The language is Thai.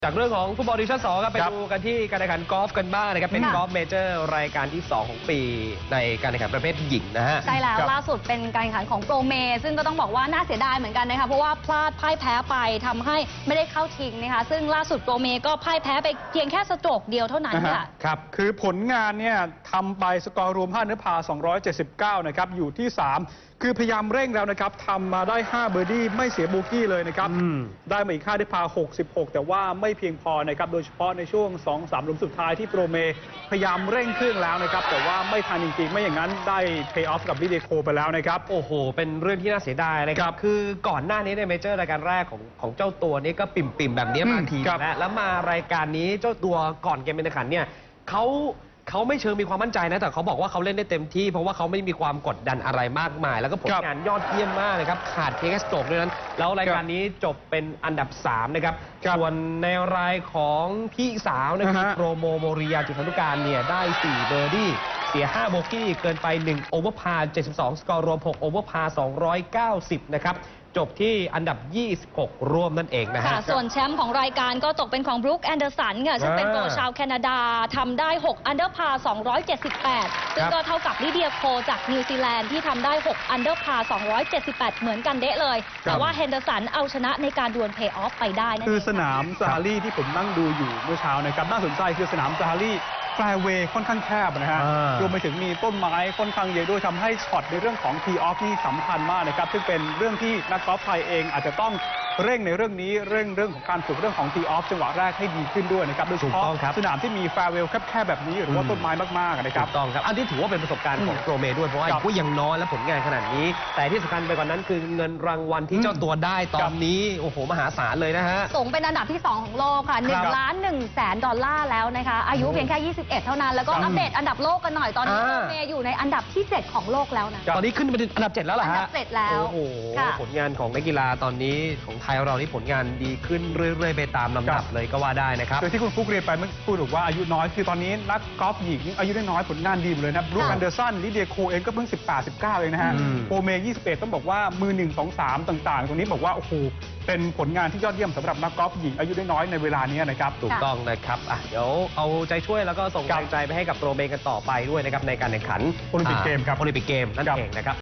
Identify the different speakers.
Speaker 1: จากเรื่องของฟุตบอลดิวิชั่น 2 ครับไปดูกันที่การแข่งขันกอล์ฟกันบ้างนะครับเป็นกอล์ฟเมเจอร์รายการที่ 2 ของปีในการแข่งขันประเภทหญิงนะฮะ
Speaker 2: ใช่แล้วล่าสุดเป็นการแข่งขันของโปรเมซึ่งก็ต้องบอกว่าน่าเสียดายเหมือนกันนะคะเพราะว่าพลาดพ่ายแพ้ไปทำให้ไม่ได้เข้าชิงนะคะซึ่งล่าสุดโปรเมก็พ่ายแพ้ไปเพียงแค่สโตรกเดียวเท่านั้นค่ะ
Speaker 3: ครับคือผลงานเนี่ยทำไปสกอร์รวม5เนื้อพา279นะครับอยู่ที่3คือพยายามเร่งแล้วนะครับทำมาได้5เบอร์ดี้ไม่เสียโบกี้เลยนะครับได้มาอีก5เนื้อพา66แต่ว่าไม่เพียงพอนะครับโดยเฉพาะในช่วง 2-3 หลุมสุดท้ายที่โปรเมพยายามเร่งเครื่องแล้วนะครับแต่ว่าไม่ทันจริงๆไม่อย่างนั้นได้เพย์ออฟกับลิเดโคไปแล้วนะครับ
Speaker 1: โอ้โหเป็นเรื่องที่น่าเสียดายนะครับคือก่อนหน้านี้ในเมเจอร์รายการแรกของเจ้าตัวนี้ก็ปิ่มๆแบบนี้มาทีแล้วมารายการนี้เจ้าตัวก่อนเกมการแข่งขันเนี่ยเขาไม่เชิงมีความมั่นใจนะแต่เขาบอกว่าเขาเล่นได้เต็มที่เพราะว่าเขาไม่มีความกดดันอะไรมากมายแล้วก็ผลงานยอดเยี่ยมมากนะครับขาดเพียงแค่สโตรกด้วยนั้นแล้วรายการนี้จบเป็นอันดับ3นะครับส่วนในรายของพี่สาวนะครับโปรโมริยาจุฑานุการเนี่ยได้4เบอร์ดี้เสีย5โบกี้เกินไป1โอเวอร์พา72สกอร์รวม6โอเวอร์พา290นะครับจบที่อันดับ26ร่วมนั่นเองนะฮะ
Speaker 2: ส่วนแชมป์ของรายการก็ตกเป็นของบรูคแอนเดอร์สันค่ะซึ่งเป็นโปรชาวแคนาดาทำได้6อันเดอร์พา278ซึ่งก็เท่ากับลิเดียโคจากนิวซีแลนด์ที่ทำได้6อันเดอร์พา278เหมือนกันเดะเลยแต่ว่าแฮนเดอร์สันเอาชนะในการดวลเพย์ออฟไปได้นั่นเอง
Speaker 3: คือสนามซาฮารีที่ผมนั่งดูอยู่เมื่อเช้านะครับน่าสนใจคือสนามซาฮารีแฟร์เวย์ค่อนข้างแคบนะฮะรวมไปถึงมีต้นไม้ค่อนข้างเยอะด้วยทำให้ช็อตในเรื่องของทีออฟนี่สำคัญมากนะครับซึ่งเป็นเรื่องที่นักกอล์ฟไทยเองอาจจะต้องเร่งในเรื่องนี้เรื่องของการฝึกเรื่องของทีออฟจังหวะแรกให้ดีขึ้นด้วยนะครับโดยเฉพาะสนามที่มีแฟร์เวย์แคบๆแบบนี้หรือว่าต้นไม้มากๆนะครับ
Speaker 1: ถูกต้องครับอันที่ถือว่าเป็นประสบการณ์ของโปรเมด้วยเพราะว่าอายุยังน้อยและผลงานขนาดนี้แต่ที่สำคัญไปกว่านั้นคือเงินรางวัลที่เจ้าตัวได้ตอนนี้โอ้โหมหาศาลเลยนะฮะ
Speaker 2: สูงเป็นอันดับที่2ของโลกค่ะ$1,100,000แล้วนะคะอายุเพียงแค่21เท่านั้นแล้วก็อัปเดตอันดับโลกกันหน่อยตอนนี้โปรเมอยู่ในอันดับที่7ของโลกแล้วนะ
Speaker 1: ตอนนี้ขึ้นไปถึงอันดับ7แล้วเหรอฮะ
Speaker 2: อันดับ7แล้ว
Speaker 1: โอ้โหผลงานของนักกีฬาตอนนี้ของไทยเรานี่ผลงานดีขึ้นเรื่อยๆไปตามลำดับเลยก็ว่าได้นะครับ
Speaker 3: โดยที่คุณฟุกเรียนไปเมื่อพูดบอกว่าอายุน้อยคือตอนนี้นักกอล์ฟหญิงอายุน้อยผลงานดีหมดเลยนะบรูคแอนเดอร์สันลิเดียโคเองก็เพิ่ง18-19เองนะฮะโปรเม21ต้องบอกว่ามือ1 2 3ต่างๆตรงนี้บอกว่าโอ้โหเป็นผลงานที่ยอดเยี่ยมสำหรับนักกอล์ฟหญิงอายุน้อยในเวลานี้นะครับ
Speaker 1: ถูกต้องนะครับเดี๋ยวเอาใจช่วยแล้วก็ส่งกำลังใจไปให้กับโปรเมกันต่อไปด้วยนะครับในการแข่งขัน
Speaker 3: โอลิมปิกเกมครับ
Speaker 1: โอลิมปิกเกมนั่นเองนะครับ